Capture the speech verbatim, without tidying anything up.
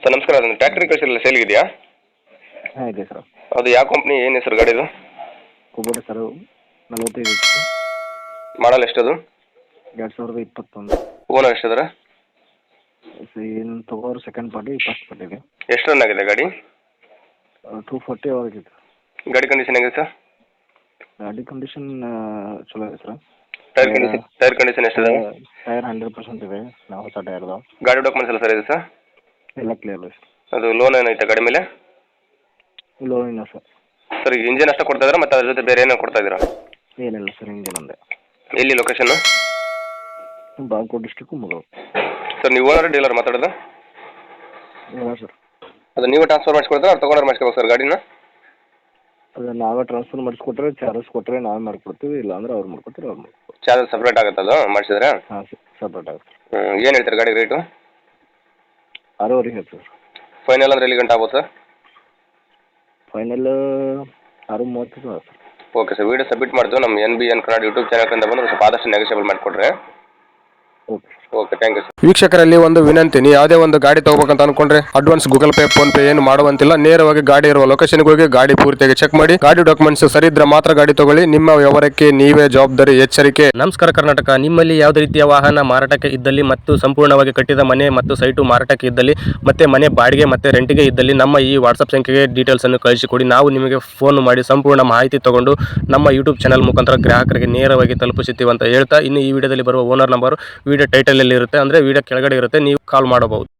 Sir ನಮಸ್ಕಾರ, ಅದೊಂದು tractor ಕಳಿಸಿರಲ್ಲ sale ಇದೆಯಾ? ಹಾಂ ಇದೆ ಸರ್. ಅದು ಯಾವ ಕಂಪ್ನಿ, ಏನು ಹೆಸರು ಗಾಡಿದು? ಕುಬೋಟ ಸರ್, ನಲವತ್ತೈದು ಇತ್ತು. ಮಾಡಲ್ ಎಷ್ಟದು? ಎರಡು ಸಾವಿರದ ಇಪ್ಪತ್ತೊಂದು. ಓನರ್ ಎಷ್ಟಿದಾರೆ? ಏನು ತಗೋರು ಸೆಕೆಂಡ್ ಪಾರ್ಟಿ ಫಸ್ಟ್ ಪಾರ್ಟಿಗೆ. ಎಷ್ಟು ರನ್ ಆಗಿದೆ ಗಾಡಿ? ಟೂ ಫೋರ್ಟಿ ಆಗಿದೆ. ಗಾಡಿ ಕಂಡೀಷನ್ ಹೇಗಿದೆ ಸರ್? ಗಾಡಿ ಕಂಡೀಷನ್ ಚಲೋ ಇದೆ ಸರ್. ಟೈರ್ ಕಂಡೀಷನ್ ಟೈರ್ ಕಂಡೀಷನ್ ಎಷ್ಟಿದೆ? ಟೈರ್ ಹಂಡ್ರೆಡ್ ಪರ್ಸೆಂಟ್ ಇದೆ, ನಾವು ಹೊಸ ಟೈರ್ ಅದಾವೆ. ಗಾಡಿ ಡಾಕ್ಯುಮೆಂಟ್ಸ್ ಎಲ್ಲ ಸರ್ ಇದೆ ಸರ್? ಎಲ್ಲ ಕ್ಲಿಯರ್ ಇದೆ ಸರ್. ಅದು ಲೋನ್ ಏನೈತೆ ಗಾಡಿ ಮೇಲೆ? ಲೋನ್ ಇಲ್ಲ ಸರ್. ಸರ್ ಈಗ ಇಂಜಿನ್ ಅಷ್ಟೇ ಕೊಡ್ತಾ ಇದ್ದೀರಾ ಮತ್ತು ಅದ್ರ ಜೊತೆ ಬೇರೆ ಏನೋ ಕೊಡ್ತಾ ಇದ್ದೀರಾ? ಏನಿಲ್ಲ ಸರ್, ಇಂಜಿನ್ ಒಂದೇ. ಎಲ್ಲಿ ಲೊಕೇಶನ್? ಬಾಗಲಕೋಟೆ ಡಿಸ್ಟ್ರಿಕ್ಕು ಮುಗೋ. ಸರ್ ನೀವು ಓನರ್ ಡೀಲರ್ ಮಾತಾಡೋದು? ಇಲ್ಲ ಸರ್. ಅದು ನೀವೇ ಟ್ರಾನ್ಸ್ಫರ್ ಮಾಡಿಸ್ಕೊಡ್ತಾರೆ ಅವ್ರು ತೊಗೊಂಡ್ರೆ ಮಾಡಿಸ್ಕೋಬೇಕು ಸರ್ ಗಾಡಿನ? ಅದು ನಾವೇ ಟ್ರಾನ್ಸ್ಫರ್ ಮಾಡಿಸ್ಕೊಟ್ರೆ, ಚಾರ್ಜಸ್ ಕೊಟ್ಟರೆ ನಾವೇ ಮಾಡ್ಕೊಡ್ತೀವಿ, ಇಲ್ಲ ಅಂದ್ರೆ ಅವ್ರು ಮಾಡ್ಕೊಡ್ತಾರೆ, ಅವ್ರು ಮಾಡ್ಕೊಡ್ತೀವಿ. ಚಾರ್ಜ್ ಸಪ್ರೇಟ್ ಆಗುತ್ತೆ ಅದು ಮಾಡಿಸಿದ್ರೆ? ಹಾಂ ಸರ್, ಸಪ್ರೇಟ್ ಆಗುತ್ತೆ. ಹ್ಞೂ ಏನು ಹೇಳ್ತಾರೆ ಗಾಡಿ ರೇಟು? ಆರೂವರೆ ಹೇಳ್ತೀವಿ ಸರ್. ಫೈನಲ್ ಅಂದ್ರೆ ಎಲ್ಲಿ ಗಂಟೆ ಆಗ್ಬೋದು ಸರ್? ಫೈನಲ್ ಆರು ಮೂವತ್ತು sir. Okay sir, video submit ಮಾಡ್ತೀವಿ ನಮ್ಮ N B N Kannada YouTube channel ಬಂದರೆ ಸ್ವಲ್ಪ ಆದಷ್ಟು ನೆಗೋಷಿಯಬಲ್ ಮಾಡಿಕೊಡ್ರಿ. Okay okay, thank you sir. ವೀಕ್ಷಕರಲ್ಲಿ ಒಂದು ವಿನಂತಿ, ನೀವು ಯಾವುದೇ ಒಂದು ಗಾಡಿ ತಗೋಬೇಕಂತ ಅನ್ಕೊಂಡ್ರೆ advance Google Pay PhonePe ಏನು ಮಾಡುವಂತಿಲ್ಲ. ನೇರವಾಗಿ ಗಾಡಿ ಇರುವ ಲೊಕೇಶನ್ಗೆ ಹೋಗಿ ಗಾಡಿ ಪೂರ್ತಿಯಾಗಿ ಚೆಕ್ ಮಾಡಿ, ಗಾಡಿ ಡಾಕ್ಯುಮೆಂಟ್ಸ್ ಸರಿ ಇದ್ರೆ ಮಾತ್ರ ಗಾಡಿ ತಗೊಳ್ಳಿ. ನಿಮ್ಮ ವ್ಯವಹಾರಕ್ಕೆ ನೀವೇ ಜವಾಬ್ದಾರಿ, ಎಚ್ಚರಿಕೆ. ನಮಸ್ಕಾರ ಕರ್ನಾಟಕ. ನಿಮ್ಮಲ್ಲಿ ಯಾವುದೇ ರೀತಿಯ ವಾಹನ ಮಾರಾಟಕ್ಕೆ ಇದ್ದಲ್ಲಿ ಮತ್ತು ಸಂಪೂರ್ಣವಾಗಿ ಕಟ್ಟಿದ ಮನೆ ಮತ್ತು ಸೈಟು ಮಾರಾಟಕ್ಕೆ ಇದ್ದಲ್ಲಿ ಮತ್ತೆ ಮನೆ ಬಾಡಿಗೆ ಮತ್ತು ರೆಂಟಿಗೆ ಇದ್ದಲ್ಲಿ ನಮ್ಮ ಈ ವಾಟ್ಸಪ್ ಸಂಖ್ಯೆಗೆ ಡೀಟೇಲ್ಸ್ ಅನ್ನು ಕಳಿಸಿಕೊಡಿ. ನಾವು ನಿಮಗೆ ಫೋನ್ ಮಾಡಿ ಸಂಪೂರ್ಣ ಮಾಹಿತಿ ತಗೊಂಡು ನಮ್ಮ ಯೂಟ್ಯೂಬ್ ಚಾನಲ್ ಮುಖಾಂತರ ಗ್ರಾಹಕರಿಗೆ ನೇರವಾಗಿ ತಲುಪಿಸುತ್ತೀವಿ ಅಂತ ಹೇಳ್ತಾ, ಇನ್ನು ಈ ವಿಡಿಯೋದಲ್ಲಿ ಬರುವ ಓನರ್ ನಂಬರ್ ವಿಡಿಯೋ ಟೈಟಲ್ ಅಲ್ಲಿ ಇರುತ್ತೆ, ಅಂದ್ರೆ ವಿಡಿಯೋ ಕೆಳಗಡೆ ಇರುತ್ತೆ, ನೀವು ಕಾಲ್ ಮಾಡಬಹುದು.